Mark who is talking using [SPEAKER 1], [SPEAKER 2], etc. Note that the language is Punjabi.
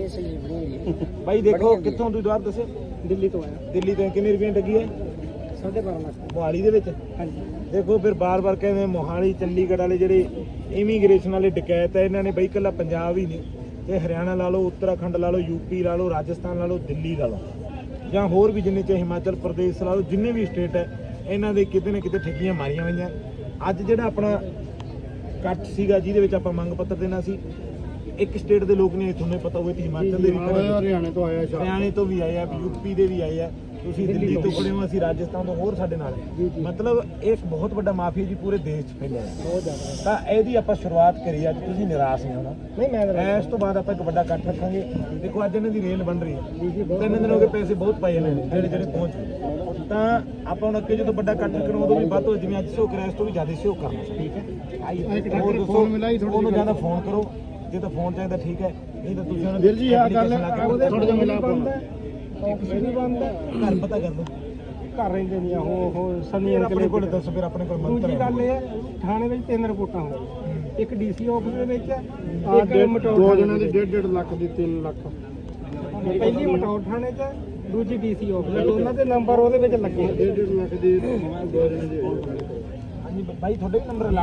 [SPEAKER 1] ਇਹ ਸਹੀ ਬਣਾਉਂਦੀ ਹੈ
[SPEAKER 2] ਬਾਈ ਦੇਖੋ ਕਿੱਥੋਂ ਤੁਸੀਂ ਦੁਆਰ ਦੱਸੇ?
[SPEAKER 1] ਦਿੱਲੀ ਤੋਂ ਆਇਆ।
[SPEAKER 2] ਦਿੱਲੀ ਤੋਂ ਕਿੰਨੇ ਰੁਪਏ ਲੱਗੀ ਹੈ?
[SPEAKER 1] 12.5 ਲੱਖ।
[SPEAKER 2] ਮੋਹਾਲੀ ਦੇ ਵਿੱਚ?
[SPEAKER 1] ਹਾਂਜੀ।
[SPEAKER 2] ਦੇਖੋ ਫਿਰ ਬਾਰ-ਬਾਰ ਕਹਿੰਦੇ ਮੋਹਾਲੀ ਚੰਡੀਗੜ੍ਹ ਵਾਲੇ ਜਿਹੜੇ ਇਮੀਗ੍ਰੇਸ਼ਨ ਵਾਲੇ ਡਕੈਤ ਹੈ, ਇਹਨਾਂ ਨੇ ਬਈ ਇਕੱਲਾ ਪੰਜਾਬ ਹੀ ਨਹੀਂ, ਇਹ ਹਰਿਆਣਾ ਲਾ ਲਓ, ਉੱਤਰਾਖੰਡ ਲਾ ਲਓ, ਯੂਪੀ ਲਾ ਲਓ, ਰਾਜਸਥਾਨ ਲਾ ਲਓ, ਦਿੱਲੀ ਲਾ ਲਓ, ਜਾਂ ਹੋਰ ਵੀ ਜਿੰਨੇ ਚਾਹੇ ਹਿਮਾਚਲ ਪ੍ਰਦੇਸ਼ ਲਾ ਲਓ, ਜਿੰਨੇ ਵੀ ਸਟੇਟ ਹੈ ਇਹਨਾਂ ਦੇ ਕਿਤੇ ਨਾ ਕਿਤੇ ਠੱਗੀਆਂ ਮਾਰੀਆਂ ਹੋਈਆਂ। ਅੱਜ ਜਿਹੜਾ ਆਪਣਾ ਕੱਟ ਸੀਗਾ ਜਿਹਦੇ ਵਿੱਚ ਆਪਾਂ ਮੰਗ ਪੱਤਰ ਦੇਣਾ ਸੀ, ਇੱਕ ਸਟੇਟ ਦੇ ਲੋਕ ਨਹੀਂ, ਤੁਹਾਨੂੰ ਪਤਾ ਹੋਵੇ ਕਿ ਹਿਮਾਚਲ ਦੇ ਵੀ
[SPEAKER 1] ਹਰਿਆਣੇ ਤੋਂ ਆਇਆ,
[SPEAKER 2] ਹਰਿਆਣੇ ਤੋਂ ਵੀ ਆਏ ਆ, ਯੂਪੀ ਦੇ ਵੀ ਆਏ ਆ, ਤੁਸੀਂ ਦਿੱਲੀ ਤੋਂ ਖੜੇ ਹੋ, ਅਸੀਂ ਰਾਜਸਥਾਨ ਤੋਂ, ਹੋਰ ਸਾਡੇ ਨਾਲ। ਮਤਲਬ ਇੱਕ ਬਹੁਤ ਵੱਡਾ ਮਾਫੀਆ ਜੀ ਪੂਰੇ ਦੇਸ਼ 'ਚ ਫੈਲਿਆ ਬਹੁਤ ਜ਼ਿਆਦਾ। ਤਾਂ ਇਹਦੀ ਆਪਾਂ ਸ਼ੁਰੂਆਤ ਕਰੀ ਅੱਜ, ਤੁਸੀਂ ਨਿਰਾਸ਼ ਨਹੀਂ ਹੋਣਾ। ਨਹੀਂ ਮੈਂ ਇਸ ਤੋਂ ਬਾਅਦ ਆਪਾਂ ਇੱਕ ਵੱਡਾ ਇਕੱਠ ਰੱਖਾਂਗੇ। ਦੇਖੋ ਅੱਜ ਇਹਨਾਂ ਦੀ ਰੇਲ ਬਣ ਰਹੀ ਹੈ, 3 ਦਿਨ ਹੋ ਗਏ, ਪੈਸੇ ਬਹੁਤ ਪਾਏ ਇਹਨਾਂ ਨੇ ਜਿਹੜੇ ਪਹੁੰਚ ਗਏ। ਤਾਂ ਆਪਾਂ ਹੁਣ ਅੱਗੇ ਜਦੋਂ ਵੱਡਾ ਇਕੱਠ ਰੱਖਣਾ ਉਦੋਂ ਵੀ ਵੱਧ ਹੋ, ਜਿਵੇਂ ਅੱਜ ਸ਼ੋਅ ਕਰਿਆ ਇਸ ਤੋਂ ਵੀ ਜ਼ਿਆਦਾ ਸ਼ੋਅ ਕਰਨਾ। ਠੀਕ ਹੈ, ਹੋਰ ਦੱਸੋ, ਉਹਨੂੰ ਜ਼ਿਆਦਾ ਫੋਨ ਕਰੋ, ਜੇ ਤਾਂ ਫੋਨ ਚਾਹੀਦਾ ਠੀਕ ਹੈ, ਨਹੀਂ ਤਾਂ ਤੁਸੀਂ
[SPEAKER 1] ਵੀਰ ਜੀ ਆ ਗੱਲ
[SPEAKER 2] ਥੋੜਾ ਜਿਹਾ ਮਿਲਾ
[SPEAKER 1] ਬੰਦ ਹੈ, ਆਫਿਸ ਵੀ ਬੰਦ ਹੈ,
[SPEAKER 2] ਘਰ ਪਤਾ ਕਰ ਲਓ,
[SPEAKER 1] ਘਰ ਰਹਿੰਦੇ ਨਹੀਂ ਉਹ ਸਨੀ
[SPEAKER 2] ਆਪਣੇ ਕੋਲ ਦੱਸੋ, ਫਿਰ ਆਪਣੇ ਕੋਲ ਮੰਤਰ।
[SPEAKER 1] ਦੂਜੀ ਗੱਲ ਇਹ ਹੈ, ਥਾਣੇ ਵਿੱਚ 3 ਰਿਪੋਰਟਾਂ ਹੋਈਆਂ, ਇੱਕ ਡੀਸੀ ਆਫਿਸ ਦੇ ਵਿੱਚ, ਇੱਕ ਮਟੌਰ।
[SPEAKER 2] 2 ਜਣਾਂ ਦੀ 1.5 ਲੱਖ ਦੀ, 3 ਲੱਖ।
[SPEAKER 1] ਪਹਿਲੀ ਮਟੌਰ ਥਾਣੇ 'ਚ, ਦੂਜੀ ਡੀਸੀ ਆਫਿਸ, ਦੋਨਾਂ ਦੇ ਨੰਬਰ ਉਹਦੇ ਵਿੱਚ ਲੱਗੇ।
[SPEAKER 2] 1.5 ਲੱਖ ਦੀ 2 ਜਣਾਂ ਦੀ। ਹਾਂਜੀ ਬਾਈ, ਤੁਹਾਡੇ ਵੀ ਨੰਬਰ